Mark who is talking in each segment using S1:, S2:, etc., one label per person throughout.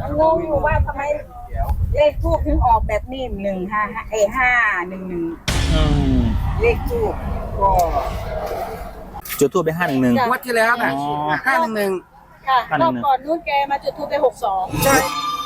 S1: งงอยู่ว่าทำไมเลขทูบถึงออกแบบนี้155 เลขทูบ
S2: ก็
S3: จุดทูบไป511
S2: งวดที่แล้วน่ะ511
S1: ค่ะรอบก่อนนู้นแกมาจุดทูบไป62
S2: ใช่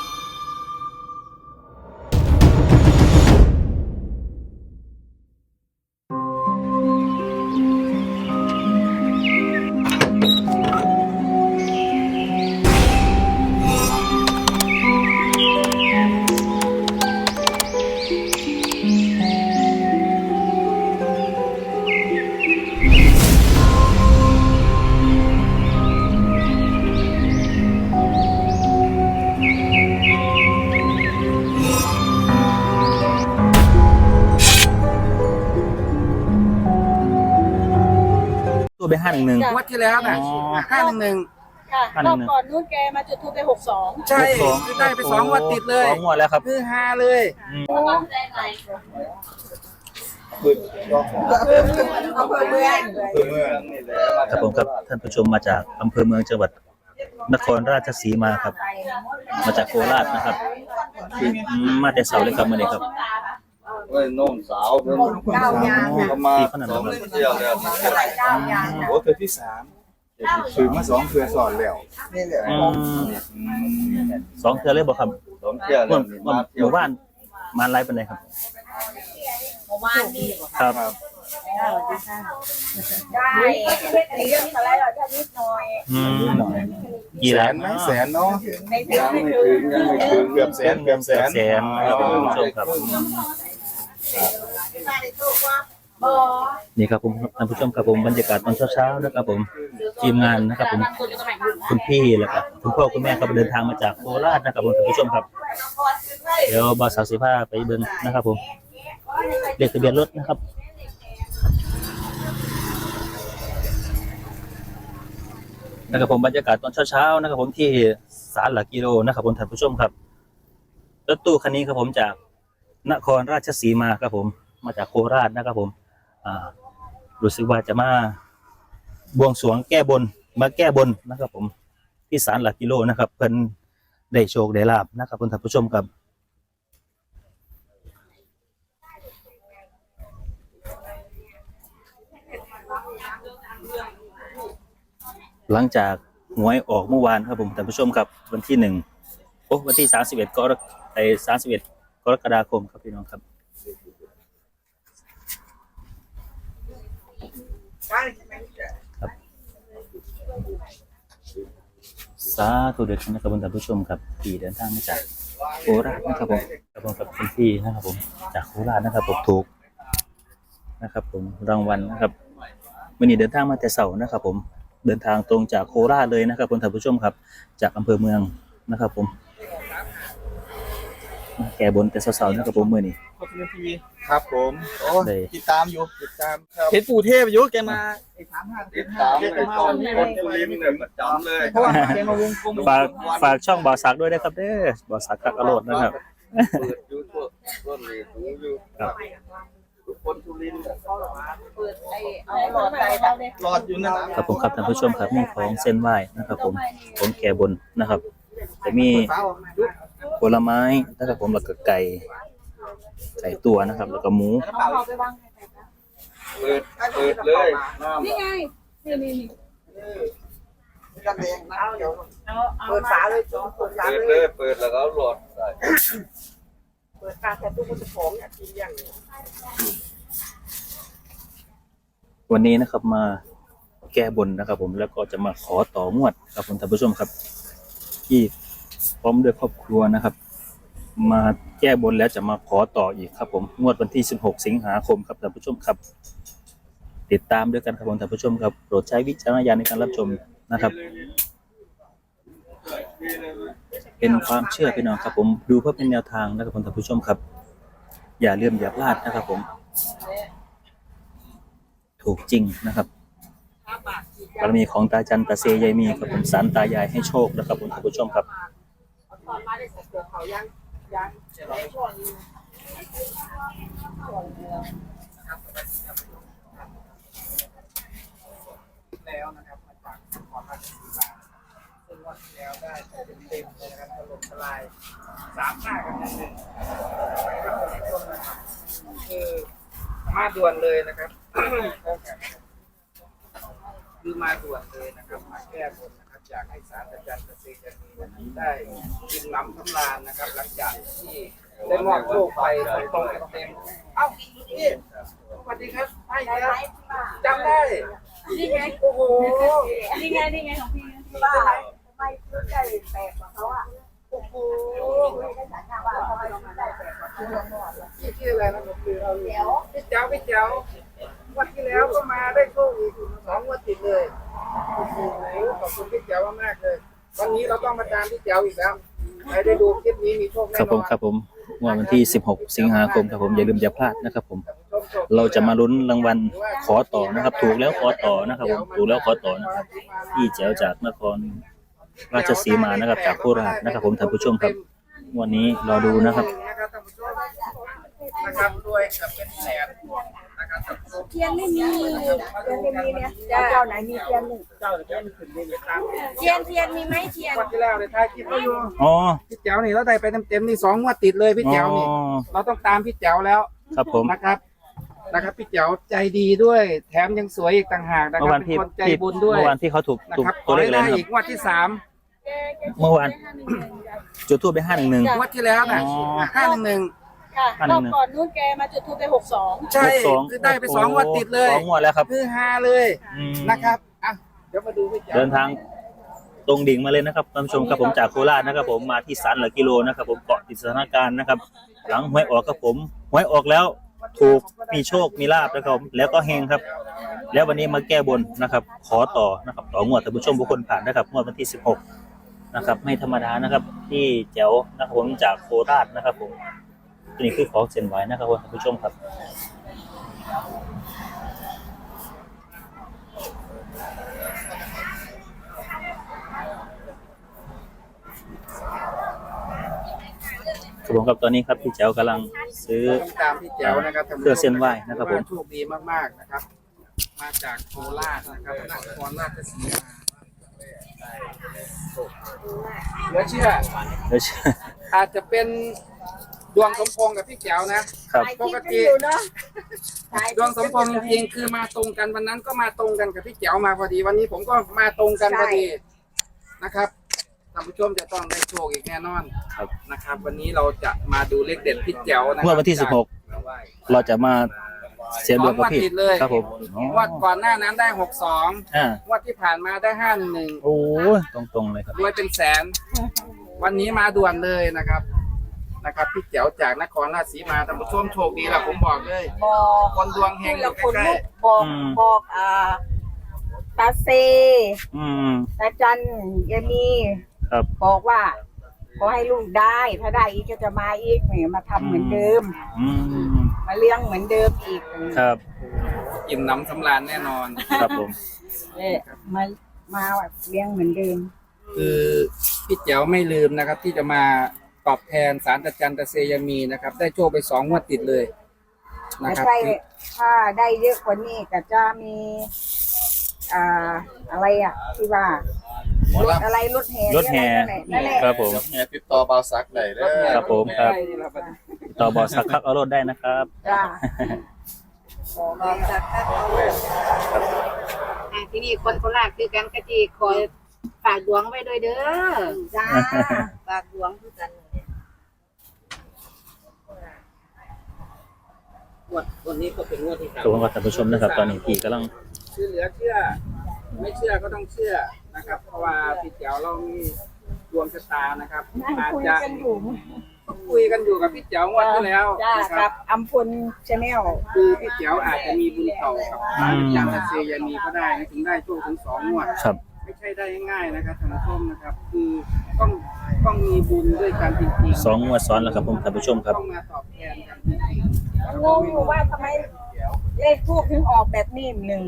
S3: ทูบไป511
S2: งวดที่แล้วน่ะ511
S1: ค่ะรอบก่อนนู้นแกมาจุดทูบไป62
S2: ใช่ได้ไป2 งวดติดเลย
S3: 2 งวดแล้วครับ
S2: คือฮาเลย
S1: อำเภอเมือง
S3: ครับผมครับท่านผู้ชมมาจากอำเภอเมืองจังหวัดนครราชสีมาครับมาจากโคราชนะครับมาแต่เสาเลยครับมื้อนี้ครับ
S4: เว้ยน้องสาวเพิ่นประมาณ2 เดือนแล้ว
S2: โอ้เทือที่3ถือมา2 เทือสอนแล้วนี่แหละ
S3: 2 เทื่อเลยบ่ครับ
S4: 2 เดือนแล้วนี่มาเที่ยว
S3: หมู่บ้านมาไลฟ์ปานใดครับ
S1: หมู่บ้านนี่
S3: ครับ
S1: ได้เรื่องอะไรเราจะนิดหน่อย
S3: กี่ล้าน
S2: ไหมแสนเนาะ
S1: ไม่ถึง
S2: เกือบแสน
S3: แสนครับท่านผู้ชมครับนี่ครับผมท่านผู้ชมครับผมบรรยากาศตอนเช้าๆนะครับผมทีมงานนะครับผมคุณพี่แล้วก็คุณพ่อคุณแม่ครับเดินทางมาจากโคราชนะครับผมท่านผู้ชมครับเดี๋ยวบ่าวสาวสิพาไปเบิ่งนะครับผมเลขทะเบียนรถนะครับผมบรรยากาศตอนเช้าๆนะครับผมที่ศาลหลักกิโลนะครับผมท่านผู้ชมครับรถตู้คันนี้ครับผมจากนครราชสีมาครับผมมาจากโคราชนะครับผมรู้สึกว่าจะมาบวงสรวงแก้บนมาแก้บนนะครับผมที่ศาลหลักกิโลนะครับเพิ่นได้โชคได้ลาภนะครับท่านผู้ชมครับหลังจากหวยออกเมื่อวานครับผมท่านผู้ชมครับวันที่วันที่31กรกฎาคมครับพี่น้องครับสาธุเด็ดนะครับท่านผู้ชมครับที่เดินทางมาจากโคราชนะครับผมกับคุณพี่นะครับผมจากโคราชนะครับผมถูกนะครับผมรางวัลนะครับวันนี้เดินทางมาแต่เสาร์นะครับผมเดินทางตรงจากโคราชเลยนะครับท่านผู้ชมครับจากอำเภอเมืองนะครับผมแก่บนแต่เสาร์นะครับผมมื้อนี้
S2: ครับผมโอ้ติดตามครับเห็นปู่เทพอยู่แกมา
S4: ติดตามเลยคนสุรินทร์เนี่ยประจำเลย
S2: เพราะว่าแกมาวงกลม
S3: ฝากช่องบ่าวสักด้วยนะครับเด้อบ่าวสักกักกระโดดนะครับ
S4: เปิดอยู่ต้นเลยดูอยู่ทุกคนสุรินทร์
S1: เปิดเอาหลอดใจ
S2: รอดอยู่นั่น
S3: ครับผมครับท่านผู้ชมครับมีของเส้นไหว้นะครับผมของแก่บนนะครับจะมีผลไม้นะครับผมแล้วก็ไก่ตัวนะครับแล้วก็หมู
S4: เปิดเลย
S1: นี่ไงนี่
S2: เปิดฝาเลย
S4: เปิดแล้วก็หลอดใส่
S2: เปิดฝาแต่ตู้มันจะหอมอยากกินอย่าง
S3: วันนี้นะครับมาแก้บนนะครับผมแล้วก็จะมาขอต่องวดครับผมท่านผู้ชมครับที่พร้อมด้วยครอบครัวนะครับมาแก้บนแล้วจะมาขอต่ออีกครับผมงวดวันที่16 สิงหาคมครับท่านผู้ชมครับติดตามด้วยกันครับผมท่านผู้ชมครับโปรดใช้วิจารณญาณในการรับชมนะครับเป็นความเชื่อพี่น้องครับผมดูเพื่อเป็นแนวทางนะครับผมท่านผู้ชมครับอย่าลืมอย่าพลาดนะครับผมถูกจริงนะครับบารมีของตาจันตาเซยายมีครับผมศาลตายายให้โชคนะครับผมท่านผู้ชมครับ
S2: แล้วนะครับมาจากนครราชสีมาซึ่งวันที่แล้วได้เต็มเลยนะครับถล่มทล
S5: ลาย35กันหนึ่งคือมาด่วนเลยนะครับ คือมาด่วนเลยนะครับมาแก้บนนะครับอยากให้ศาลอาจารย์เกษตรมีได้กินน้ำสำราญนะครับ หลังจากที่ได้มอบโชคไปตรงๆเต็มๆเอ้าพี่สวัสดีครับใช่ครับจำได้
S1: นี่ไง
S5: โอ้โห
S1: นี่ไงของพี่บ้าทำไมซื้อได้แปลกกว่าเขาอ่ะโอ้โหไม่ได้สัญญาว่าทำไมเราได้แปลกกว่าเขา
S5: พี่ชื่ออะไรนะผมคือพี่เจ้าวันที่แล้วก็มาได้โชคอีก2 งวดติดเลยโอ้โหขอบคุณพี่เจ้ามากๆเลย วันนี้เราต้องมาตามพี่เจ้าอีกแล้วใครได้ดูคลิปนี้มีโชคแน่นอน
S3: ครับผมวันที่16 สิงหาคมครับผมอย่าลืมอย่าพลาดนะครับผมเราจะมาลุ้นรางวัลขอต่อนะครับ ถูกแล้วขอต่อนะครับผมถูกแล้วขอต่อนะครับพี่แจ๋วจากนครราชสีมานะครับจากโคราชนะครับผมท่านผู้ชมครับวันนี้รอดูนะครับ
S5: นะครับด้วยกับเป็นแสนนะครับ
S1: เทียนไม่มีเนี่ยเจ้าไหนมีเทียนหนึ่ง
S5: เจ้าเดี๋ยวจะขึ้นเลยตาม
S1: เทียนมีไหมเทียน
S5: วันที่แล้วในท้ายคลิปก็อยู่
S3: อ๋อ
S5: พี่เจ้านี่เราได้ไปเต็มๆนี่2 งวดติดเลยพี่เจ้านี่เราต้องตามพี่เจ้าแล้ว
S3: ครับผม
S5: นะครับพี่เจ้าใจดีด้วยแถมยังสวยอีกต่างหากนะค
S3: เมื่
S5: รั
S3: อบ วาน
S5: เป็น
S3: พี่
S5: คนใจบุญด้วย
S3: เมื่อวานที่เขาถูก
S5: นะ
S3: ถูก
S5: ครับข
S3: ตัว
S5: อ
S3: เลข
S5: ให้
S3: อะไร
S5: ได้
S3: นะค
S5: อี
S3: รับ
S5: กงวดที่
S3: เมื่อวานจุดทูบไป511
S5: 3งวดที่แล้วนะ
S3: อ๋อ
S5: 511
S1: ค่ะรอบก่อนนู้นแกมาจุดทูปไป62
S5: ใช่คือได้ไป2 งวดติดเลย
S3: 2 งวดแล้วครับ
S5: คือฮาเลย
S3: อืม
S5: นะครับอ่ะเดี๋ยวมาดูพี่เจ้า
S3: เดินทางตรงดิ่งมาเลยนะครับท่านผู้ชมครับผมจากโคราชนะครับผมมาที่ศาลหลักกิโลนะครับผมเกาะติดสถานการณ์นะครับ หลังหวยออกครับผมหวยออกแล้วถูกมีโชคมีลาบนะครับแล้วก็เฮงครับ แล้ววันนี้มาแก้บนนะครับ ขอต่อนะครับต่องวดท่านผู้ชมทุกคนผ่านนะครับงวดวันที่16นะครับไม่ธรรมดานะครับที่แจ๋วนะครับผมจากโคราชนะครับผมนี่คือของเส้นไหวนะครับท่านผู้ชมครับ ครับผมครับตอนนี้ครับพี่แจ๋วกำลังซื้อ
S5: ตามพี่แจ๋วนะครับ
S3: เครื่องเส้นไหว้นะครับผม
S5: โชคดีมากๆนะครับ มาจากโคราชนะครับนครราชสีมาเหลือเชื่อ
S3: เดี๋ยวเชื่อ
S5: อาจจะเป็นดวงสมพงษ์กับพี่แจ๋วนะครับ ปกติดวงสมพงษ์จริงๆคือมาตรงกันวันนั้นก็มาตรงกันกับพี่แจ๋วมาพอดี วันนี้ผมก็มาตรงกันพอดีนะครับท่านผู้ชมจะต้องได้โชคอีกแน่นอน
S3: ครับ
S5: นะครับ วันนี้เราจะมาดูเลขเด็ดพี่แจ๋วนะค
S3: ง
S5: รั
S3: วดวันที่16เราจะมาเสียดวงกับพี่
S5: ติดเลย
S3: ครับผมอ๋อง
S5: วดก่อนหน้านั้นได้62
S3: อ่าง
S5: วดที่ผ่านมาได้511
S3: โอ้ยตรงๆเลยครับ
S5: รวยเป็นแสน วันนี้มาด่วนเลยนะครับพี่แจ๋วจากนครราชสีมาท่านผู้ชมโชคดีแหละผมบอกเลย
S1: บอก
S5: คนดวงเฮงอ
S1: แล้
S5: ยู่
S1: วคน
S5: ใกล้
S1: ลุกบอกตาเซ
S3: อืม
S1: ตาจันยายมี
S3: ครับ
S1: บอกว่าขอให้ลูกได้ถ้าได้อีกก็จะมาอีกเนี่ยมาทำเหมือนเดิม
S3: อืม
S1: มาเลี้ยงเหมือนเดิมอีก
S3: ครับ
S5: ๆอิ่มน้ำสำราญแน่นอน
S3: ครับผม
S1: มาแบบเลี้ยงเหมือนเดิม
S5: คือพี่แจ๋วไม่ลืมนะครับ ที่จะมาตอบแทนศาลตาจันตะเซยามีนะครับ ได้โชคไป2 งวดติดเลยนะ
S1: แต่
S5: ครับ
S1: ถ้าได้เยอะกว่านี้ก็จะมีอะไรที่ว่ารถอะไรรถแห่
S3: รถแห่
S1: นั่นแหละ
S3: ครับผม
S2: แง่ติดต่อเบาซักได้เด้อ
S3: ครับผมครับ ต่อบอสักพักเอารถได้นะครับ
S1: จ้า
S6: ที่นี่คนโคราชคือกันกะจีคอยฝากดวงไว้ด้วยเด้อ
S1: จ้าฝากหลวงคือกัน
S5: วันนี้ก็เป็นงวดที่
S3: ทุกคนก็ท่านผู้ชมนะครับ ตอนนี้พี่กำลัง
S5: คือเหลือเชื่อ ไม่เชื่อก็ต้องเชื่อนะครับ เพราะว่าพี่แจ๋วเรามีดวงชะตานะครับ
S1: นั่ง
S5: อาจ
S1: คุย
S5: จะ
S1: กันอยู่
S5: คุยกันอยู่กับพี่แจ๋วงวดที่แล้ว
S1: จ้า
S5: นะค
S1: กั
S5: รั
S1: บบ อัมพลชาแนล
S5: คือพี่แจ๋วอาจจะมีบุญเก่ากับศาลตาจันตะเซยามีก็ได้นะถึงได้โชคถึง2 งวด
S3: ครับ
S5: ไม่ใช่ได้ง่ายๆนะครับท่านผู้ชมนะครับ คือต้องมีบุญด้วยกันจริงๆ
S3: 2 งวดซ้อนแล้วครับผมท่านผู้ชมครับ
S5: ต้องมาตอบแทนกันจริง
S1: งงอยู่ว่าทำไมเลขทูบถึงออกแบบนี้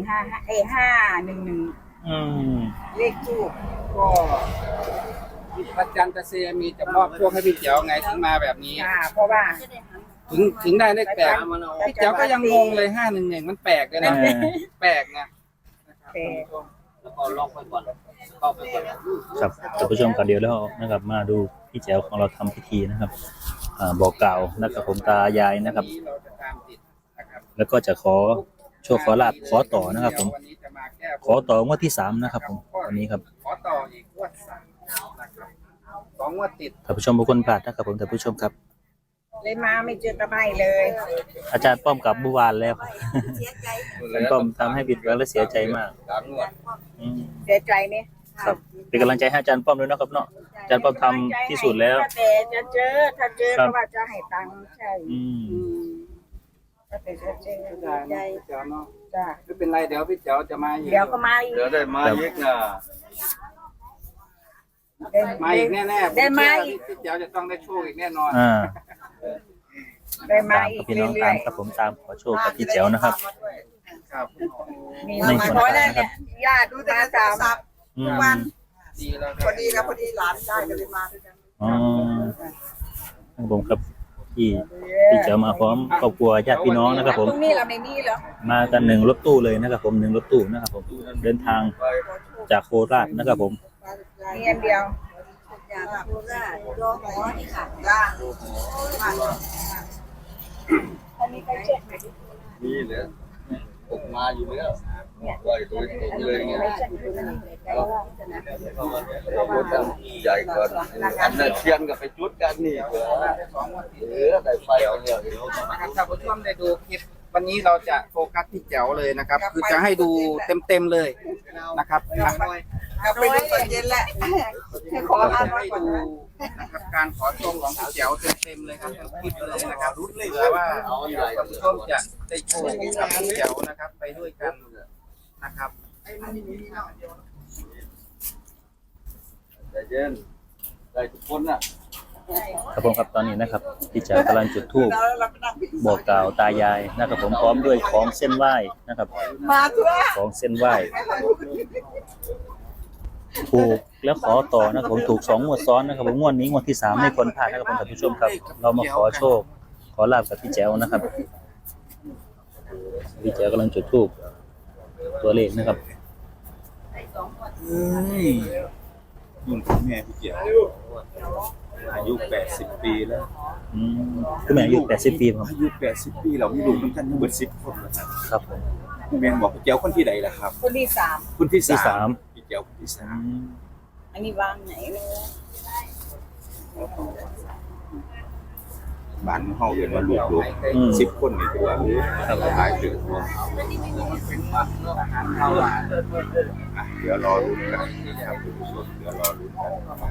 S1: 511
S3: อืม
S1: เลขทูบ
S5: ๆก็พระจันทร์ตะเซยามีจะมอบโชคให้พี่แจ๋วไงถึงมาแบบนี้
S1: เพราะว่า
S5: ถึงได้เลขแปลกพี่แจ๋วก็ยังงงเลย511มันแปลกเลยนะ
S3: เออ
S5: แปลกนะนะครับ
S1: แต่
S5: แล้วก็ลองไปก่อนเข้าไปก่อน
S3: ครับท่านผู้ชมครับเดี๋ยวแล้วนะครับ มาดูพิพี่แจ๋วของเราทำพิธีนะครับบอกกล่าวนะครับผมตายายนะครับ
S5: เราจะตามติดนะครับ
S3: แล้วก็จะขอโชคขอลาภขอต่อนะครับผม
S5: วันนี้จะมาแก้
S3: ขอต่องวดที่3นะครับผมวันนี้ครับ
S5: ขอต่ออีกงวด3นะครับ2 งวดติด
S3: ท่านผู้ชมทุกคนพลาดนะครับผมท่านผู้ชมครับ
S1: เลยมาไม่เจอตะไบเลย
S3: อาจารย์ป้อมกลับเมื่อวานแล้ว
S1: เสียใจ
S3: อาจารย์ป้อมทำให้ผิดหวังและเสียใจมาก
S4: การนวด
S3: อืม
S1: เสียใจเนี่ย
S3: ครับเป็นกำลังใจให้อาจารย์ป้อมด้วยนะครับเนาะอาจารย์ป้อมทำที่สุดแล้ว
S1: แต่จะเจอถ้าเจอก็ว่าจะให้ตังค์ใช่
S3: อืม
S1: ถ้าแต่จะเจอ
S5: ใจ
S1: ใจ
S5: เจ้าเนาะ
S1: จ้ะ
S5: ไม่เป็นไรเดี๋ยวพี่เจ้าจะมาอีก
S1: เดี๋ยวก็มาอีก
S4: เดี๋ยวได้มาอีกนะ
S5: มาอีกแน่ๆ
S1: ได้มาอีก
S5: พี่เจ้าจะต้องได้โชคอีกแน่นอน
S1: ได้มา
S3: ตาม
S1: อี
S3: กับ
S1: ก
S3: พี่น้อง
S1: เรื่
S3: ตา
S1: อ
S3: ม
S1: ย
S3: กับผมตามขอโชคกับพี่แจ๋วนะครับ
S5: ครับ
S1: ๆมี
S3: ใน
S1: มา
S3: ส่วน
S1: ขอ
S3: ต่าง
S1: ได้
S3: นะครั
S1: เนี่
S3: บ
S1: ยญาติมาสาม
S3: อืม
S5: ดีแล้ว
S1: พอดีแล้วพอดีหลานได้ก็เลยมาด้วยกัน
S3: อ๋อครับผมครับพี่แจ๋วมาพร้อมครอบครัวญาติพี่น้องนะครับผม
S1: ตรงนี้เราไม่มีเหรอ
S3: มากัน1 รถตู้เลยนะครับผม1 รถตู้นะครับผมเดินทางจากโคราชนะครับผม
S1: มีอันเดียวอยากดูได้รอหมอนี่ค่ะจ้าอันนี้ใครเช็คไหม
S4: นี่เลยออกมาอยู่แล้วปล่อยตัวตรงเลยไง
S1: ใครเช็คดูนี่ใครว่าจะนะ
S4: รถใหญ่ก่อนอันนั้นเทียนกับไปจุดกันนี่เผื่อได้ไฟเอาเนี่ย
S5: นะครับท่านผู้ชมได้ดูคลิปวันนี้เราจะโฟกัสที่แจ๋วเลยนะครับ คือจะให้ดูเต็มๆเลยนะครับ
S1: กลับไปดูตอนเย็นแหละให้ขอ
S5: จะ
S1: อ่านไว้
S5: ให้
S1: ก่อน
S5: ดู
S1: นะ
S5: นะครับการขอโชคของพี่แจ๋วเต็มๆเลยครับทั้งคลิปเลยนะครับเผื่อว่าท่านผู้ชมจะได้โชคกับพี่แจ๋วนะครับ ไปด้วยกันนะครับ
S4: ใจเย็นได้ทุกคนน่ะ
S3: ครับผมครับตอนนี้นะครับพี่แจ๋วกำลังจุดธูปบอกกล่าวตายายนะครับผมพร้อมด้วยของเส้นไหว้นะครับ
S1: มาทั่ว
S3: ของเส้นไหว้ถูกแล้วขอต่อนะครับผมถูก2 งวดซ้อนนะครับผมงวดนี้งวดที่3ไม่ควรพลาดนะครับผมท่านผู้ชมครับ เรามาขอโชคขอลาบกับพี่แจ๋วนะครับพี่แจ๋วกำลังจุดธูปตัวเลขนะครับ
S2: นุ่นแม่พี่เจียวอายุ80 ปีแล้ว
S3: อืมคือแม่อายุ80 ปีครับ
S2: อายุ80 ปีเรามีลูกน้ำกันทั้งหมด10 คนแล้วครับ
S3: ครับผม
S2: แม่บอกพี่เจียวคนที่ใดล่ะครับ
S1: คนที่สาม
S2: คนที่
S3: ที่
S2: 3
S3: สาม
S2: พี่เจียวคนที่
S3: อืม
S1: อันนี้วางไหนเลย
S2: 3บ้านเฮาเอิ้นว่าลูก
S3: อืม
S2: 10 คนนี่ตัวครับหลายถึงเดี๋ยวรอลุ้นกันนะครับคุณผู้ชมเดี๋ยวรอลุ้นกันนะครับ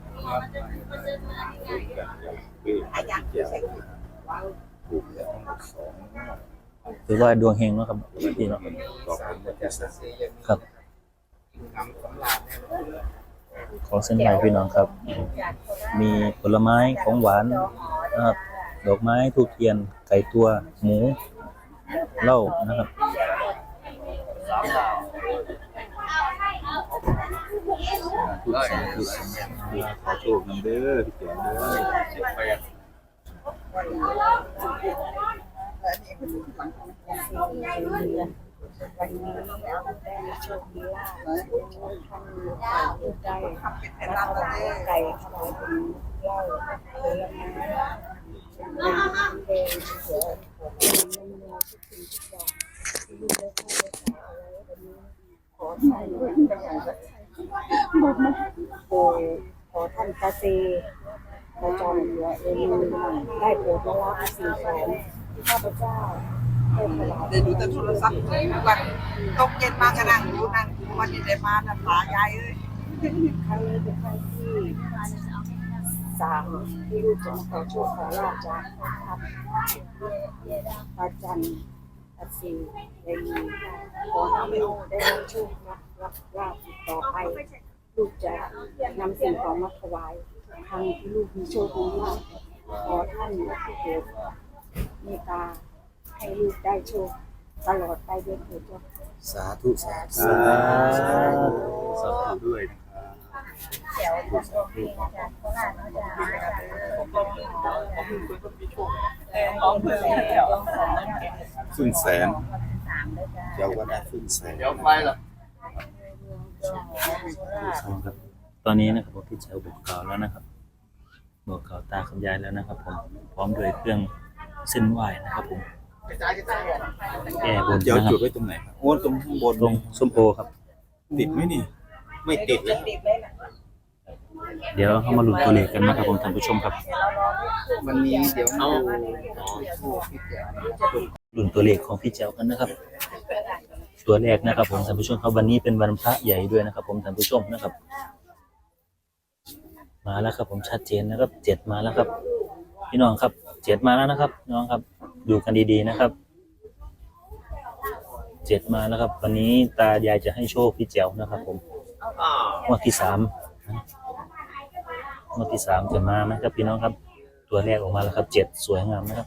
S2: ลุ้นกันอย่างพี่เจียวถูกแล้วทั้งหมด2
S3: ถือว่าดวงเฮงเนาะครับพี่เนาะ
S2: ขอบคุณที่สั่ง
S3: ครับของเส้นไหว้พี่น้องครับ มีผลไม้ของหวานนะครับดอกไม้ทูบเทียนไก่ตัวหมูเหล้านะครับ
S2: ทุกสิ่งทุกสิ่งขอโชคนำเด้อพี่เจียวเด้อ
S1: วันนี้เอาได้โชคดีลาภท่านใจเป็นลาภไก่ถวายเป็นเหล้าผลไม้เป็นเสือเป็นเมนูทุกสิ่งทุกอย่างลูกได้ให้ได้ขายเอาไว้วันนี้ขอท่านขอท่านตาเซประจำเหลือเองได้โปรดละละสิ่งของที่ข้าพเจ้าได้ถวาย
S7: เดี๋ยวดูแต่โทรศัพท์ทุกวันตกเย็นมากระนั่งดูนั่งวันนี้ได้มาน้ำตายายเอ้ย
S1: ครั้งนี้เป็นครั้งที่3ที่ลูกจะมาขอโชคขอลาภจากครับตาจันตาซีได้มีขอให้ลูกได้รับโชครับลาภต่อไปลูกจะนำสิ่งของมาถวายครั้งที่ลูกมีโชคมีลาภขอท่านโปรดเมตตาให้ลูกได้โชคตลอดไปด้วยเถิดเจ้า
S2: สาธุสาธุ
S3: สาธุ
S2: สาธุด้วยนะครับ
S1: แถวของโรงเรียนอาจารย์โคราชเนาะจ้ะของเพื่อนแล้วของเนี่ย
S2: ครึ่งแสน
S1: 3ด้วยจ้ะ
S2: เจ้าก็ได้ครึ่งแสน
S4: เดี๋ยวไฟล่ะ
S3: ครับตอนนี้นะครับผมพี่แจ๋วบอกกล่าวแล้วนะครับบอกกล่าวตาคุณยายแล้วนะครับผมพร้อมด้วยเครื่องเส้นไหว้นะครับผมแก้บน
S2: เดี๋ยว
S3: นะครั
S2: จุด
S3: บ
S2: ไว้ตรงไหนครับโอ้ตรงข้างบน
S3: ตรงส้มโอครับ
S2: ติดไหมนี่ ไม่ติดเลย
S3: เดี๋ยวเข้ามาลุ้นตัวเลขกันนะครับผมท่านผู้ชมครับ
S5: วันนี้เดี๋ยวเอาทูบพี่แจ๋ว
S3: ลุ้นตัวเลขของพี่แจ๋วกันนะครับ ตัวแรกนะครับผมท่านผู้ชมครับวันนี้เป็นวันพระใหญ่ด้วยนะครับผมท่านผู้ชมนะครับ มาแล้วครับผมชัดเจนนะครับ7มาแล้วครับ พี่น้องครับ7มาแล้วนะครับน้องครับดูกันดีๆนะครับ7มาแล้วครับ วันนี้ตายายจะให้โชคพี่แจ๋วนะครับผมงวดที่3งวดที่3จะมาไหมครับพี่น้องครับ ตัวแรกออกมาแล้วครับ7สวยงามนะครับ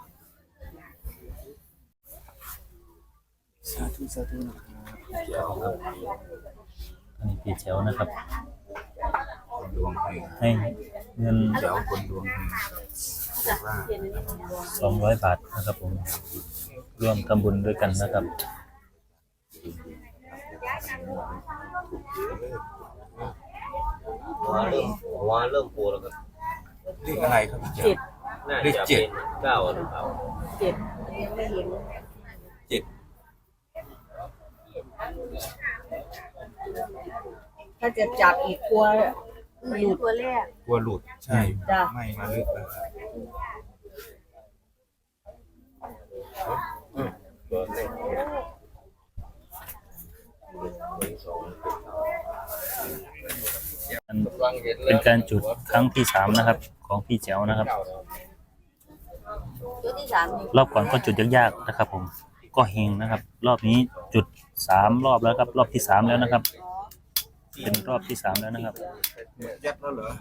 S2: สาธุสาธุนะครับ
S3: เจ๋วครับอันนี้พี่แจ๋วนะครับ
S2: คนดวงเฮง
S3: ให้เงิน
S2: เดี๋ยวคนดวงเฮงบอกว่า
S3: 200 บาทนะครับผมร่วมทำบุญด้วยกันนะครับ
S4: ว่าเริ่มปูแล้วครับ
S2: เลขอะไรครับพี่แจ๋ว
S4: น่า
S2: เลข
S4: จะ
S2: เจ็
S4: เป็
S2: ด
S4: น9หรือเปล่า
S2: เจ็ด
S1: ถ้าจะจับอีกกลัวหลุดตัวแรก
S2: กลัวหลุดใช่
S1: จ้ะ
S2: ไม่มาลึกแล้วครับ
S3: เป็นการจุดครั้งที่3นะครับ ของพี่แจ๋วนะครับ
S1: ตัวที่3นี่
S3: รอบก่อนก็จุดยากๆนะครับ ผมก็เฮงนะครับ รอบนี้จุด3รอบแล้วครับ รอบที่3แล้วนะครับ เป็นรอบที่3แล้วนะครับ
S2: ยัดแล้วเหรอ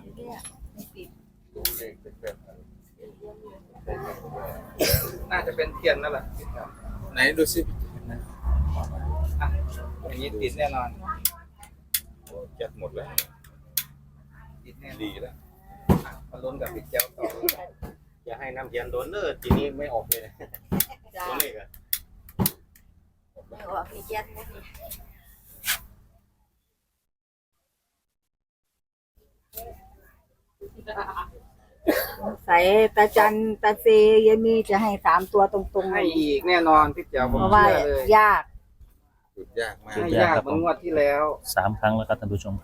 S5: น่าจะเป็นเทียนนั่นแหละ
S2: ไหนดูสิ
S5: อ่ะอย่างนี้ติดแน่นอน
S2: ยัดหมดแล้ว
S5: ติดแน่
S2: ดีแล้ว
S5: มาลุ้นกับพี่แจ๋วต่อ
S4: อย่าให้น้ำเย็นโดนเนอร์ทีนี้ไม่ออกเลยนะตัวเลขอะ
S1: ไม่ว่าพี่แจ๊คใส่ตาจันตาเซยายมีจะให้3ตัวตรงๆ
S5: ให้อีกแน่นอนพี่แจ๋วผม
S1: เพราะว่า
S5: เชื่อเลย
S1: ยาก
S2: จุดยากมาก
S5: ให้ยากเหมือนงวดที่แล้ว
S3: 3 ครั้งแล้วครับท่านผู้ชม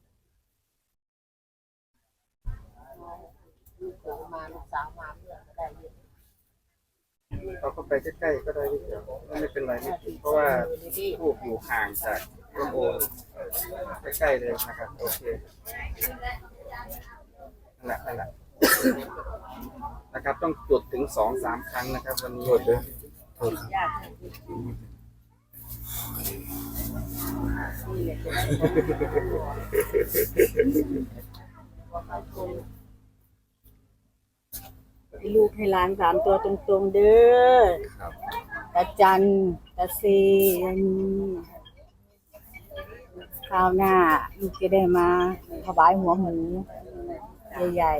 S5: เราก็ไปใกล้ๆก็ได้พี่แจ๋วไม่เป็นไรไม่ติดเพราะว่าทูบอยู่ห่างจากต้นโพใกล้ๆเลยนะครับโอเคนั่นแหละนะครับ ต้องจุดถึง2-3 ครั้งนะครับ วันนี้
S2: โทษด้วยโทษครับ
S1: ให้ลูกให้หลาน3ตัวตรงๆเด้อ
S2: ครับ
S1: ตาจันตาเซยายมีข้าวหน้าลูกจะได้มาถวายหัวหมูใหญ่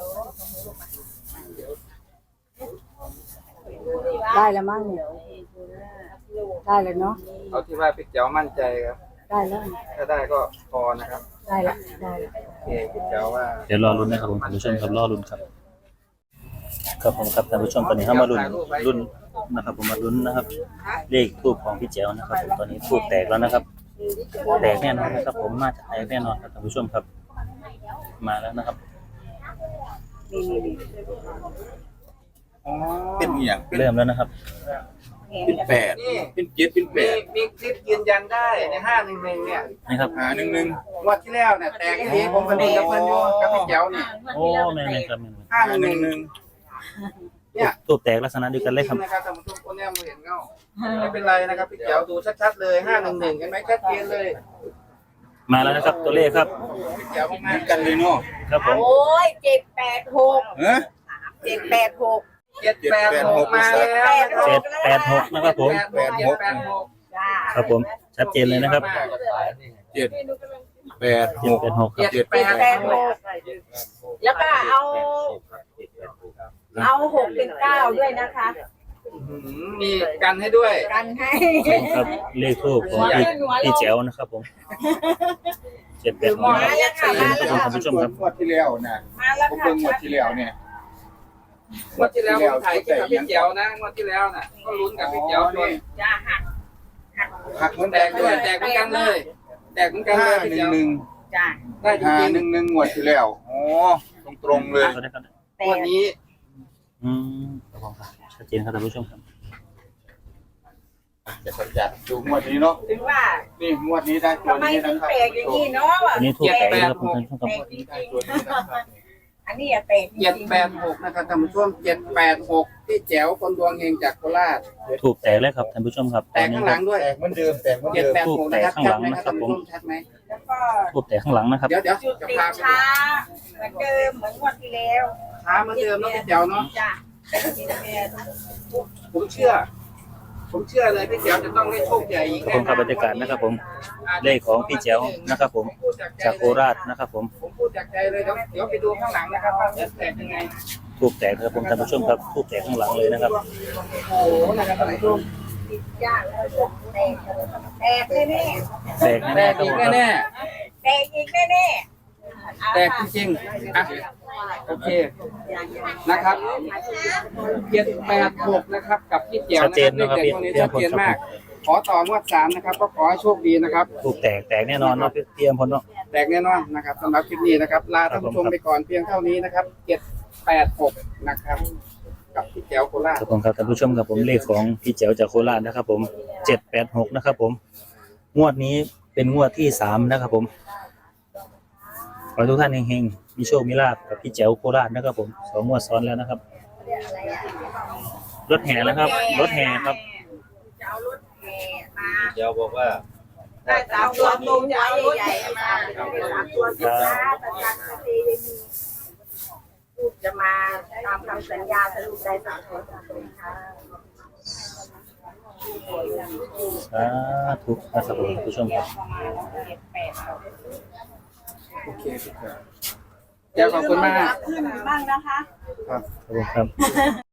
S1: ๆได้แล้วมั้งเนี่ยได้แล้วเนาะ
S5: เอาที่ว่าพี่แจ๋วมั่นใจครับ
S1: ได้แล้ว
S5: ถ้าได้ก็พอนะครับ
S1: ได้ละได้ละ
S5: โอเคพี่แจ๋วว่า
S3: เดี๋ยวรอลุ้นนะครับผมท่านผู้ชมครับรอลุ้นครับครับผมครับท่านผู้ชมตอนนี้เข้ามาลุ้นนะครับผมมาลุ้นนะครับ เลขทูบของพี่แจ๋วนะครับผมตอนนี้ทูบแตกแล้วนะครับ แตกแน่นอนนะครับ ผมมาจากแตกแน่นอนครับท่านผู้ชมครับ มาแล้วนะครับ
S1: นี่
S5: อ๋อ
S2: เป็นอหย่าง
S3: เริ่มแล้วนะครับ
S2: เป็นแปดเป็นเจ็ดเป็นแปด
S5: มีคลิปยืนยันได้ใน511เนี่ย
S3: นี่ครับ
S2: หนึ่ง
S5: งวดที่แล้วเนี่ยแตกที่นี้ผมก็ดีกับเพื่อนอยู่กับพี่แจ๋วนี่
S3: โอ้แม่ๆครับแม่
S5: 511เนี่ย
S3: ทูบแตกลักษณะเดียวกันเลยครับ
S5: นะครับท่านผู้ชมคนเนี้ยมาเห็นเงาไม่เป็นไรนะครับพี่แจ๋วดูชัดๆเลย511เห็นไหมชัดเจนเลย
S3: มาแล้วนะครับ ตัวเลขครับ
S5: พี่แจ๋วมาก
S2: กันเลยเนาะ
S3: ครับผม
S1: โอ้ย786
S2: ฮะ
S1: 786
S5: 786มาแล้วนะครับ
S3: 786นะครับผม
S5: 786
S1: จ้า
S3: ครับผมชัดเจนเลยนะครับ
S2: 786
S3: 786ครับ
S1: 786แล้วก็เอา6เป็น9ด้วยนะคะ
S5: มีกันให้ด้วย
S1: กันให้
S3: ครับเลขทูบของพี่แจ๋วนะครับผม 786นะครับท่านผู้ชมครับ
S2: งวดที่แล้วนะ
S7: มาแล้ว
S2: ผม
S7: ค่ะ
S2: เบิ่งงวดที่แล้วเนี่ย
S5: งวดที่แล้วผมถ่ายคลิปกับพี่เจียวนะงวดที่แล้วน่ะก็ลุ้นกับพี่เจียวด้วย
S7: จ้าหัก
S2: หักเหมือน
S5: แตกด้วยแตกเหมือนกันเลยแตกเหมือนกันเลยพี่เจียว
S2: 511
S7: จ้า
S5: ได้จริง
S2: 511งวดที่แล้วอ๋อตรงๆเลย
S5: ๆงวดนี้
S3: อืมชัดเจนครับท่านผู้ชมครับ
S2: จะสัญญาดูงวดนี้เนาะ
S7: ถึงว่า
S2: นี่งวดนี้ได้ตัว
S7: ทำไม
S2: นี้
S7: ถึ
S2: นะ
S7: ง
S2: ครับ
S7: แปลกอย่างนี้เนาะ
S3: อันนี้ถูกแตกนะครับท่านผู้ชมครับ
S7: แปลกจริง
S2: ได้ตัวนี้นะครับ
S7: ๆอันนี้อะแปลกจริง
S5: 786นะครับท่านผู้ชม786พี่แจ๋วคนดวงเฮงจากโคราช
S3: ถูกแตกเลยครับท่านผู้ชมครับ
S5: แตกข้างหลังด้วย
S2: แตกเหมือนเดิมแตกเหมือนเดิม
S5: 786นะครับชัดไหมครับท่านผู้ชมชัดไหม
S7: แล้วก็
S3: ถูกแตกข้างหลังนะครับ
S5: เดี๋ยว
S7: จุด
S5: จะ
S7: ติด
S5: พาไป
S7: ช้าเหมือนเดิมเหมือนงวดที่แล้ว
S5: ช้าเหมือนเดิมเนาะพี่แจ๋วเนาะ
S7: จ้าเป็นที่แม่
S5: ผมเชื่อเลยพี่แจ๋วจะต้องได้โชคใหญ่อีก
S3: ครับผมครับบรรยากาศนะครับผมเลขของพี่แจ๋วนะครับผมจากโคราชนะครับผม
S5: ผมพูดจากใจเลยเดี๋ยวไปดูข้างหลังนะครับว่าจะแตกยังไง
S3: ถูกแตกครับผมท่านผู้ชมครับถูกแตกข้างหลังเลยนะครับ
S5: โอ้โหนะครับท่านผู้ชม
S7: ติดยากแล้วก็แตกแน่
S3: แตก
S5: แต
S3: แน่
S5: ก
S3: ๆครับ
S5: อี
S3: ผ
S5: ก
S3: มครับ
S5: แน่
S7: ๆแตกอีกแน่ๆ
S5: ๆแตกจริงๆอ่ะโอเคนะครับ786นะครับกับพี่แจ๋ว
S3: ชัดเจน
S5: นะ
S3: นะ
S5: ค
S3: ค
S5: รั
S3: รั
S5: บบ เลขเด็ดตัวนี้ชัดเจนมาก ขอต่องวด3นะครับก็ขอให้โชคดีนะครับ
S3: ถูกแตกแน่นอนเนาะเตรียมพลเนาะ
S5: แตกแน่นอนนะครับสำหรับคลิปนี้นะครับลาท่านผู้ชมไปก่อนเพียงเท่านี้นะครับ786นะครับกับพี่แจ๋วโคราช
S3: ครับผมครับท่านผู้ชมครับผมเลขของพี่แจ๋วจากโคราชนะครับผม786นะครับผมงวดนี้เป็นงวดที่3นะครับผมขอให้ทุกท่านเฮงๆมีโชคมีลาภกับพี่แจ๋วโคราชนะครับผม2งวดซ้อนแล้วนะครับรถแห่นะครับรถแห่ครับ
S7: จะเอารถแห่มา
S2: เดี๋ยวบอกว่า
S7: ได้สามตัวตรงจะเอารถใหญ่มาได้สามตัวสินค้าประกันเกษตรพูดจะมาตามคำสัญญาสรุปได้สามตัวตรงค่ะ
S3: สาธุนะครับผมท่านผู้ชมครับ
S5: โอเคแจ๋วขอบคุณมาก
S7: ขึ้นบ้างนะคะ
S3: ขอบคุณครับ